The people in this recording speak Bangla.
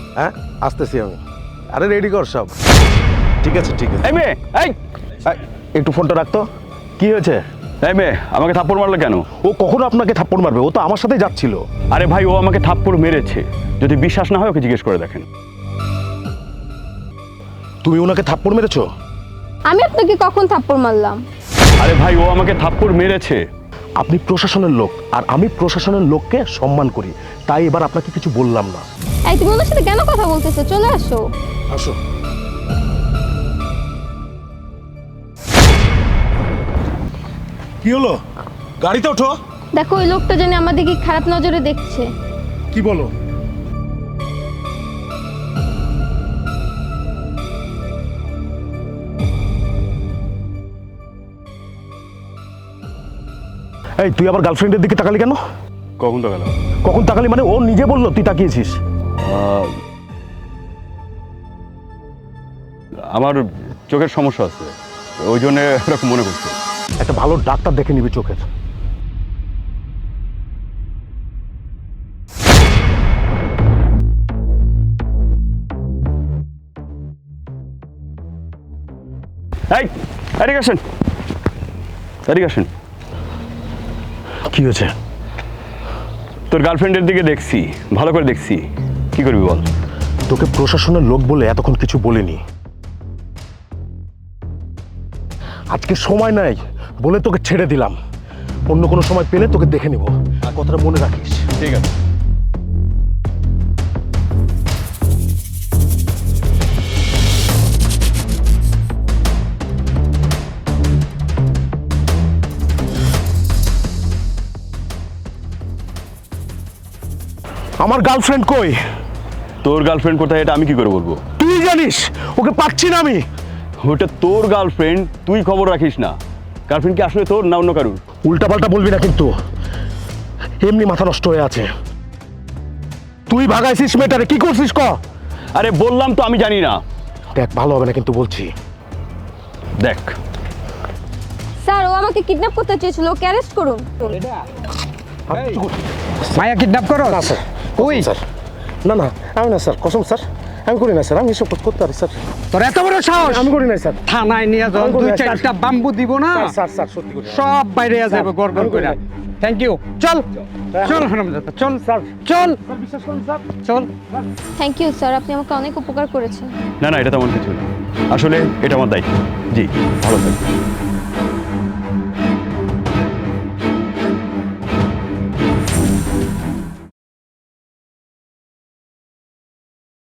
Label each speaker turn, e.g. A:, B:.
A: হ্যাঁ আসতেছি আমি। আরে রেডি কর সব। ঠিক আছে ঠিক আছে।
B: এই মেয়ে, এই
A: একটু ফোনটা রাখতো। কি হয়েছে?
B: এই মেয়ে আমাকে থাপ্পড় মারলো কেন?
A: ও কখনো আপনাকে থাপ্পড় মারবে? ও তো আমার সাথেই যাচ্ছিল।
B: আরে ভাই, ও আমাকে থাপ্পড় মেরেছে। যদি বিশ্বাস না হয় ওকে জিজ্ঞেস করে দেখেন।
A: তুমি ওনাকে থাপ্পড় মেরেছো?
C: আমি আপনাকে কখন থাপ্পড় মারলাম?
B: আরে ভাই, ও আমাকে থাপ্পড় মেরেছে।
A: আপনি প্রশাসনের লোক আর আমি প্রশাসনের লোককে সম্মান করি, তাই এবার আপনাকে কিছু বললাম না।
C: এই তুমি ওনার সাথে কেন কথা বলতেছো? চলে আসো।
A: আসো। কি হলো? গাড়িতে ওঠো।
C: দেখো ওই লোকটা জানি আমাদেরকে খারাপ নজরে দেখছে।
A: কি বলো? এই তুই আবার গার্লফ্রেন্ডের দিকে তাকালি কেন?
B: কখন তো গেল?
A: কখন তাকালি মানে? ও নিজে বললো তুই তাকিয়েছিস।
B: আমার চোখের সমস্যা আছে, ওই জন্য এরকম মনে করছে।
A: একটা ভালো ডাক্তার দেখে নিবি চোখের।
B: এই এদিকে আসেন, এদিকে আসেন।
A: কি হয়েছে?
B: তোর গার্লফ্রেন্ডের দিকে দেখছি, ভালো করে দেখছি। কি করবি বল?
A: তোকে প্রশাসনের লোক বলে এতক্ষণ কিছু বলিনি। আজকে সময় নাই বলে তোকে ছেড়ে দিলাম। অন্য কোনো সময় পেলে তোকে দেখে নিব, আর কথাটা মনে রাখিস।
B: ঠিক আছে।
A: আমার গার্লফ্রেন্ড কই?
B: তোর গার্লফ্রেন্ড কোথায় এটা আমি কি করে বলবো?
A: তুই জানিস, ওকে পাচ্ছি না আমি।
B: ওটা তোর গার্লফ্রেন্ড, তুই খবর রাখিস না। গার্লফ্রেন্ড কি আসলে তোর না অন্য কারুর?
A: উল্টাপাল্টা বলবি না কিন্তু, এমনি মাথা নষ্ট হয়ে আছে। তুই ভাগাইছিস মেয়েটারে, কি করছিস ক?
B: আরে বললাম তো আমি জানি না।
A: দেখ ভালো হবে না কিন্তু বলছি।
B: দেখ,
C: স্যার ও আমাকে কিডন্যাপ করতে চেয়েছিল, ওকে অ্যারেস্ট করুন।
D: মায়া কিডন্যাপ করো?
A: না স্যার,
D: ওই
A: স্যার না না, আমি না স্যার, কসম স্যার, আমি করি না স্যার, আমি এসব করতে পারি স্যার।
D: তোর এত বড় সাহস!
A: আমি করি না স্যার।
D: থানায় নিয়ে যাও,
A: আমি করি
D: দুই
A: না, স্যার।
D: চারটা বাম্বু দিব না,
A: স্যার স্যার স্যার সত্যি করি না।
D: সব বাইরে
A: স্যার,
D: যাবে গড়গড়
A: আমি করি
D: করে।
A: না।
D: Thank you. চল চল হারামজাদা, চল
A: স্যার
D: চল
A: বিশ্বাস করুন স্যার।
D: চল।
C: থ্যাংক ইউ স্যার, আপনি আমাকে অনেক উপকার করেছেন।
B: না না, এটা তেমন কিছু না। আসলে এটা আমার দায়িত্ব। জি, ভালো থাকবে।